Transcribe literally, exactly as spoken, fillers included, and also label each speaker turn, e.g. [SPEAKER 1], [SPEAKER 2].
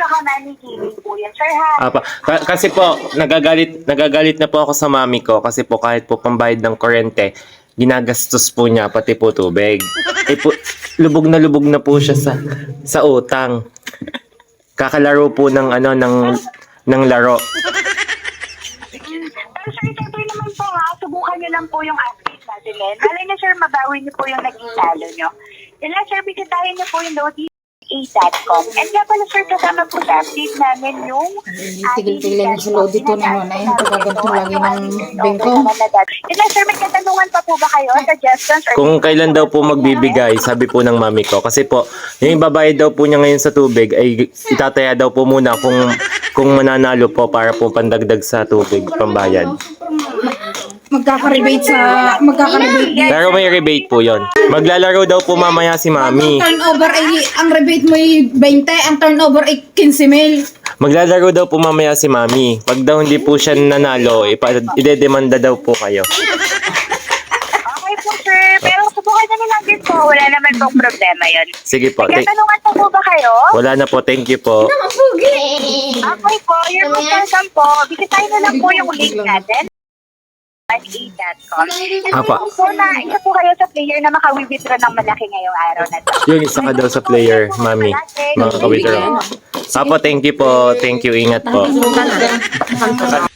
[SPEAKER 1] tsaka Manny Gaming po yan, sir, ha?
[SPEAKER 2] Apa, ka- kasi po, nagagalit, nagagalit na po ako sa mami ko kasi po kahit po pambayad ng kuryente, ginagastos po niya pati po tubig. Eh po, lubog na lubog na po siya sa sa utang. Kakalaro po ng ano ng ng laro.
[SPEAKER 1] Pero sir, siyempre naman po ha, subukan niyo lang po yung update natin eh. Malay na sir, mabawi niyo po yung naging talo niyo. Yun lang sir, bisitahin niyo po yung lodi a dot com. And nga pala sir, kasama po sa update namin yung
[SPEAKER 3] Tigil-tigil sa load dito na yun. Ayun, pagkaganto lagi ng bengko.
[SPEAKER 1] Yun lang sir, may katanungan pa po ba kayo? Suggestions? Or
[SPEAKER 2] Kung kailan daw po magbibigay, sabi po ng mami ko. Kasi po, yung babayad daw po niya ngayon sa tubig ay itataya daw po muna kung kung mananalo po para po pandagdag sa tubig, pambayad.
[SPEAKER 3] Magkaka-rebate sa... Magkaka-rebate.
[SPEAKER 2] Pero may rebate po yon. Maglalaro daw po mamaya si mami.
[SPEAKER 3] Ang turnover ay... Ang rebate mo ay twenty, ang turnover ay fifteen mil.
[SPEAKER 2] Maglalaro daw po mamaya si mami. Pag daw hindi po siya nanalo, ipa- idedemanda daw po kayo.
[SPEAKER 1] okay po sir, pero subukan na lang din po. Wala naman pong problema yun.
[SPEAKER 2] Sige po.
[SPEAKER 1] May
[SPEAKER 2] Thank-
[SPEAKER 1] katanungan pa po ba kayo?
[SPEAKER 2] Wala na po. Thank you po.
[SPEAKER 1] Okay po, you're most welcome po. Bisitahin na lang po yung link natin. a dot com.
[SPEAKER 2] Apa.
[SPEAKER 1] Apa. Po na isa po kayo sa player na maka-withdraw ng malaki ngayong araw na to.
[SPEAKER 2] Yung isa ka daw sa player, mami. Mga ka-withdraw. Apo, thank you po. Thank you. Ingat po.